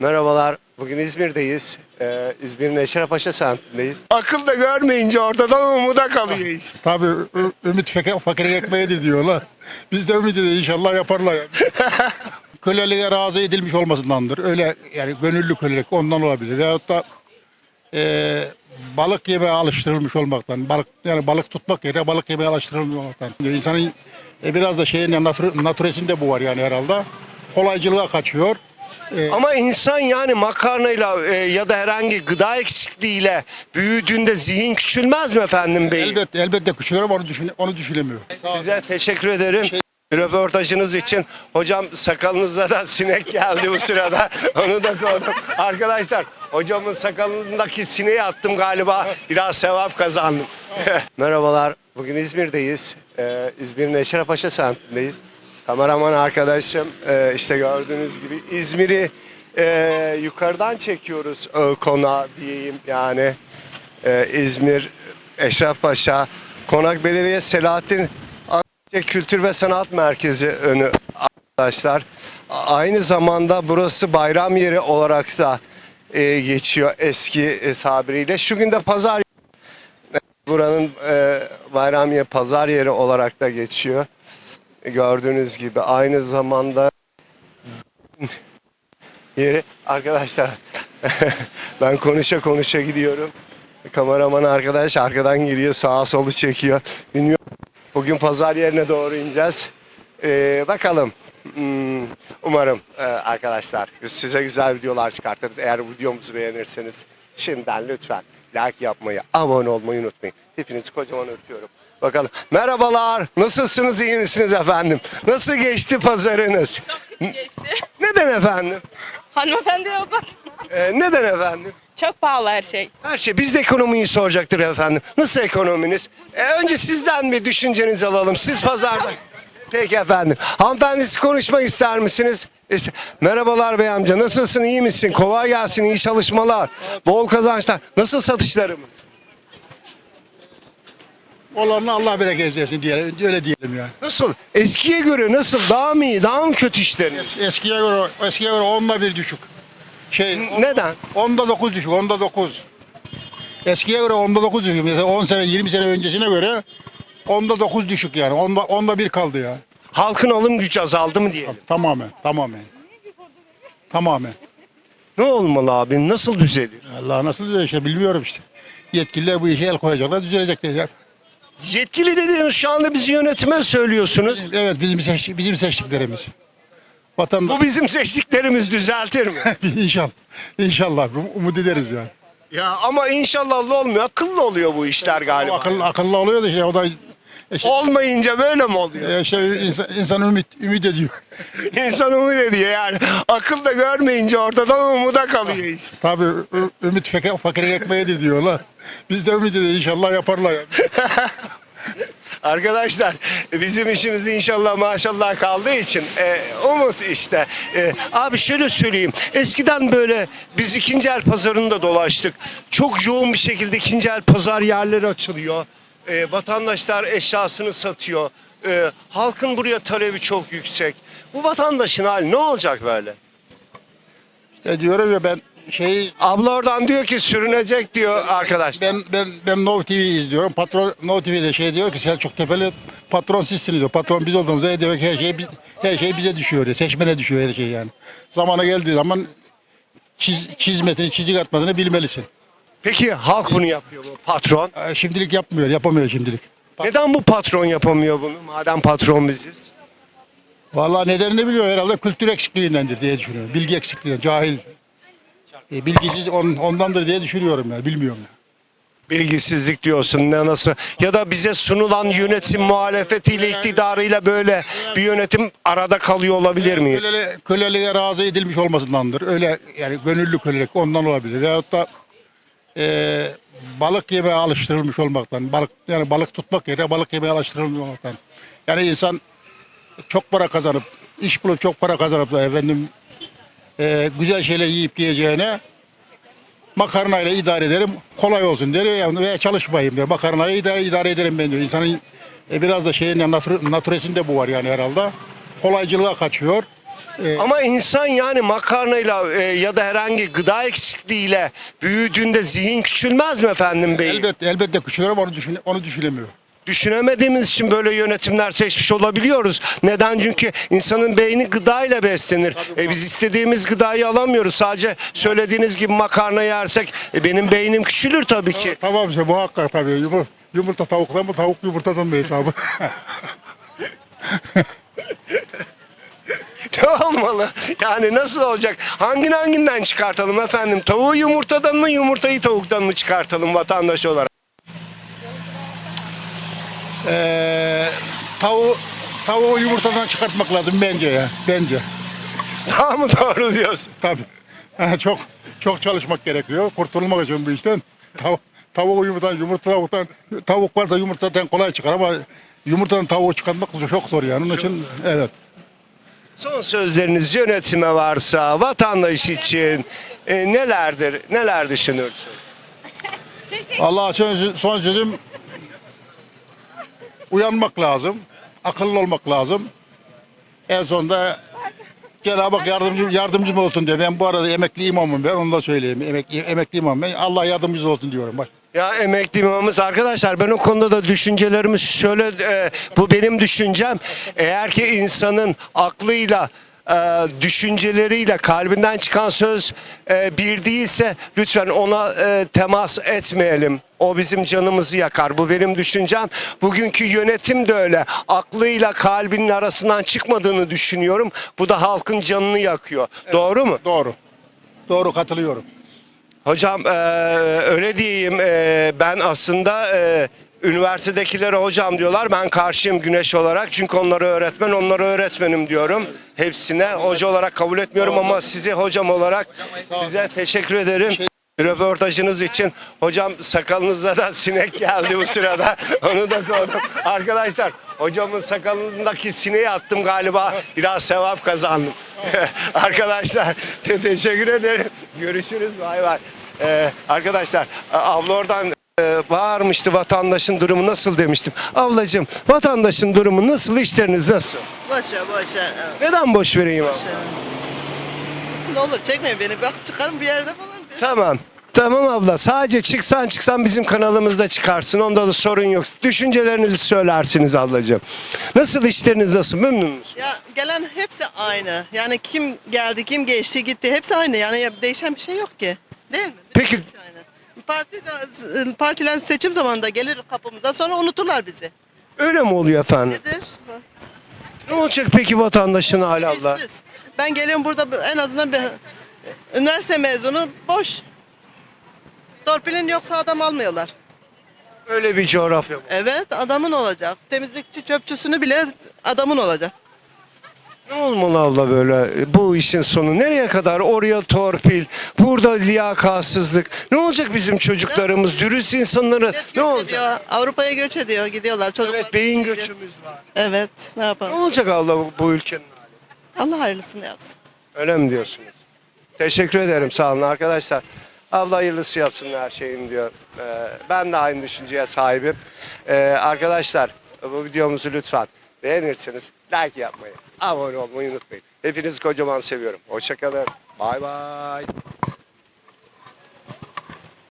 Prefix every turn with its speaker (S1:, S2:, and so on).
S1: Merhabalar. Bugün İzmir'deyiz. İzmir'in Eşrefpaşa semtindeyiz. Akıl da görmeyince ortadan umuda kalıyor iş.
S2: Tabii ümit fakirin ekmeğidir diyorlar. Biz de ümit ediyoruz, inşallah yaparlar yani. Köleliğe razı edilmiş olmasındandır. Öyle yani gönüllü kölelik ondan olabilir. Veyahut da balık yemeye alıştırılmış olmaktan, balık tutmak yerine balık yemeye alıştırılmış olmaktan. İnsanın biraz da şeyin natüresinde bu var yani herhalde. Kolaycılığa kaçıyor.
S1: Ama insan yani makarnayla ya da herhangi gıda eksikliğiyle büyüdüğünde zihin küçülmez mi efendim bey?
S2: Elbette küçülür ama onu düşünemiyor.
S1: Size teşekkür ederim. Röportajınız için. Hocam sakalınıza da sinek geldi bu sırada. Onu da koydum. Arkadaşlar hocamın sakalındaki sineği attım galiba. Biraz sevap kazandım. Merhabalar. Bugün İzmir'deyiz. İzmir'in Eşrefpaşa semtindeyiz. Kameraman arkadaşım işte gördüğünüz gibi İzmir'i yukarıdan çekiyoruz konağa diyeyim yani. İzmir, Eşrefpaşa, Konak Belediye Selahattin Kültür ve Sanat Merkezi önü arkadaşlar. Aynı zamanda burası bayram yeri olarak da geçiyor eski tabiriyle. Şu günde pazar, buranın bayram yeri, pazar yeri olarak da geçiyor. Gördüğünüz gibi aynı zamanda yeri arkadaşlar. Ben konuşa gidiyorum. Kameraman arkadaş arkadan giriyor, sağa solu çekiyor. Bilmiyorum. Bugün pazar yerine doğru ineceğiz. Bakalım. Umarım arkadaşlar size güzel videolar çıkartırız. Eğer videomuzu beğenirseniz şimdiden lütfen like yapmayı, abone olmayı unutmayın. Hepinizi kocaman öpüyorum. Bakalım. Merhabalar. Nasılsınız? İyi misiniz efendim? Nasıl geçti pazarınız?
S3: Geçti.
S1: Neden efendim?
S3: Hanımefendi uzat.
S1: Neden efendim?
S3: Çok pahalı her şey.
S1: Her şey. Biz de ekonomiyi soracaktır efendim. Nasıl ekonominiz? Önce sizden bir düşüncenizi alalım. Siz pazarda. Peki efendim. Hanımefendi siz konuşmak ister misiniz? Merhabalar bey amca. Nasılsın? İyi misin? Kolay gelsin. İyi çalışmalar. Bol kazançlar. Nasıl satışlarımız?
S2: Olanı Allah bereket versin diyelim, öyle diyelim yani.
S1: Nasıl? Eskiye göre nasıl? Daha mı iyi? Daha mı kötü işleriniz?
S2: Eskiye göre 10'da 1 düşük.
S1: Neden?
S2: 10'da 9 düşük, 10'da 9. Eskiye göre 10'da 9 düşük. Mesela 10 sene, 20 sene öncesine göre 10'da 9 düşük yani. 10'da 1 kaldı yani.
S1: Halkın alım gücü azaldı mı diyelim?
S2: Tamamen.
S1: Ne olmalı abi? Nasıl düzelir?
S2: Allah nasıl düzelir işte bilmiyorum işte. Yetkililer bu işe el koyacaklar, düzelecek diyecek.
S1: Yetkili dediğimiz şu anda bizi yönetime söylüyorsunuz.
S2: Evet bizim seçtiklerimiz. Vatandaş
S1: Bu bizim seçtiklerimiz düzeltir mi?
S2: İnşallah umut ederiz yani.
S1: Ya ama inşallah olmuyor. Akıllı oluyor bu işler galiba.
S2: Akıllı oluyor da işte o da
S1: Olmayınca böyle mi oluyor?
S2: insan ümit ediyor.
S1: İnsan umut ediyor yani. Akıl da görmeyince ortadan umuda kalıyor iş.
S2: Tabii ümit fakirin ekmeğidir diyorlar. Biz de ümit ediyoruz, inşallah yaparlar yani.
S1: Arkadaşlar bizim işimiz inşallah maşallah kaldığı için umut işte. Abi şöyle söyleyeyim. Eskiden böyle biz ikinci el pazarında dolaştık. Çok yoğun bir şekilde ikinci el pazar yerleri açılıyor. Vatandaşlar eşyasını satıyor. Halkın buraya talebi çok yüksek. Bu vatandaşın hali ne olacak böyle?
S2: Diyorum ya ben
S1: Abla oradan diyor ki sürünecek diyor arkadaş.
S2: ben Nov TV izliyorum. Patron Nov TV'de diyor ki Selçuk Tepeli patron sizsiniz diyor. Patron biz olduğumuzda demek her şey bize düşüyor diyor. Seçmene düşüyor her şey yani. Zamanı geldiği zaman çizik atmadığını bilmelisin.
S1: Peki halk bunu yapıyor mu patron?
S2: Şimdilik yapamıyor şimdilik.
S1: Neden bu patron yapamıyor bunu madem patron biziz?
S2: Vallahi nedenini biliyor herhalde kültür eksikliğindendir diye düşünüyorum. Bilgi eksikliğinden, cahil. Bilgisiz ondandır diye düşünüyorum ya, bilmiyorum ya.
S1: Bilgisizlik diyorsun ne nasıl ya da bize sunulan yönetim muhalefetiyle iktidarıyla böyle bir yönetim arada kalıyor olabilir miyiz?
S2: Köleliğe razı edilmiş olmasındandır. Öyle yani gönüllü kölelik ondan olabilir. Veyahut da balık yemeye alıştırılmış olmaktan, balık tutmak yerine balık yemeye alıştırılmış olmaktan. Yani insan çok para kazanıp, iş bulup çok para kazanıp da güzel şeyler yiyip yiyeceğine makarnayla idare ederim, kolay olsun diyor yani veya çalışmayayım diyor. Makarnayla idare ederim ben diyor. İnsanın biraz da natüresinde bu var yani herhalde. Kolaycılığa kaçıyor.
S1: Ama insan yani makarnayla ya da herhangi gıda eksikliğiyle büyüdüğünde zihin küçülmez mi efendim bey?
S2: Elbette küçülür ama onu düşünemiyor.
S1: Düşünemediğimiz için böyle yönetimler seçmiş olabiliyoruz. Neden? Çünkü insanın beyni gıdayla beslenir. Biz istediğimiz gıdayı alamıyoruz. Sadece söylediğiniz gibi makarna yersek benim beynim küçülür tabii ki.
S2: Tamam işte muhakkak tabii. Yumurta tavuktan mı, tavuk yumurtadan mı hesabı?
S1: Ne olmalı? Yani nasıl olacak? Hanginden çıkartalım efendim? Tavuğu yumurtadan mı, yumurtayı tavuktan mı çıkartalım vatandaş olarak?
S2: Tavuğu yumurtadan çıkartmak lazım bence ya. Bence.
S1: Daha mı doğru diyorsun?
S2: Tabii. Çok çalışmak gerekiyor. Kurtulmak için bu işten. Tavuğu yumurtadan, tavuk varsa yumurtadan kolay çıkar ama yumurtadan tavuğu çıkartmak çok zor yani. Onun için evet.
S1: Son sözleriniz yönetime varsa vatandaş için neler düşünürsün?
S2: Allah'a son sözüm uyanmak lazım. Akıllı olmak lazım. En sonunda Cenab-ı Hak yardımcım olsun diye. Ben bu arada emekli imamım ben. Onu da söyleyeyim. Emekli imam ben. Allah yardımcımız olsun diyorum. Bak.
S1: Ya emekli imamımız arkadaşlar ben o konuda da düşüncelerimi şöyle bu benim düşüncem. Eğer ki insanın aklıyla düşünceleriyle kalbinden çıkan söz bir değilse lütfen ona temas etmeyelim. O bizim canımızı yakar. Bu benim düşüncem. Bugünkü yönetim de öyle. Aklıyla kalbinin arasından çıkmadığını düşünüyorum. Bu da halkın canını yakıyor. Evet. Doğru mu?
S2: Doğru. Doğru katılıyorum.
S1: Hocam öyle diyeyim ben aslında üniversitedekilere hocam diyorlar ben karşıyım Güneş olarak çünkü onlara öğretmenim diyorum hepsine hoca olarak kabul etmiyorum ama sizi hocam olarak size teşekkür ederim. Röportajınız için hocam sakalınıza da sinek geldi bu sırada onu da koydum. Arkadaşlar hocamın sakalındaki sineği attım galiba biraz sevap kazandım. Arkadaşlar teşekkür ederim. Görüşürüz bay bay. Arkadaşlar abla oradan bağırmıştı vatandaşın durumu nasıl demiştim. Ablacığım vatandaşın durumu nasıl işleriniz nasıl?
S4: Boş ver.
S1: Neden boş vereyim abla?
S4: Ne olur çekmeyin beni. Bak çıkarım bir yerde falan.
S1: Tamam. Tamam abla sadece çıksan bizim kanalımızda çıkarsın onda da sorun yok. Düşüncelerinizi söylersiniz ablacığım. Nasıl işleriniz nasıl memnun musunuz?
S4: Ya gelen hepsi aynı. Yani kim geldi, kim geçti, gitti. Hepsi aynı. Yani değişen bir şey yok ki. Değil mi?
S1: Peki-
S4: Hepsi aynı. Partiler seçim zamanında gelir kapımıza sonra unuturlar bizi.
S1: Öyle mi oluyor efendim?
S4: Nedir?
S1: Ne olacak peki vatandaşın hali abla?
S4: İşsiz. Ben geliyorum burada en azından bir üniversite mezunu boş. Torpilin yoksa adam almıyorlar.
S1: Öyle bir coğrafya bu.
S4: Evet adamın olacak. Temizlikçi çöpçüsünü bile adamın olacak.
S1: Ne olmalı abla böyle bu işin sonu nereye kadar oraya torpil burada liyakatsızlık ne olacak bizim çocuklarımız dürüst insanları
S4: Millet
S1: ne
S4: göç
S1: olacak?
S4: ediyor, Avrupa'ya göç ediyor, gidiyorlar. Çocuklar
S1: Evet beyin
S4: gidiyor.
S1: göçümüz var.
S4: Evet, ne
S1: Ne
S4: yapalım?
S1: olacak abla bu ülkenin hali?
S4: Allah hayırlısını yapsın.
S1: Öyle mi diyorsunuz? Teşekkür ederim sağ olun arkadaşlar. Abla hayırlısı yapsın her şeyin diyor. Ben de aynı düşünceye sahibim. Arkadaşlar bu videomuzu lütfen beğenirseniz like yapmayı, abone olmayı unutmayın. Hepinizi kocaman seviyorum. Hoşça kalın. Bay bay.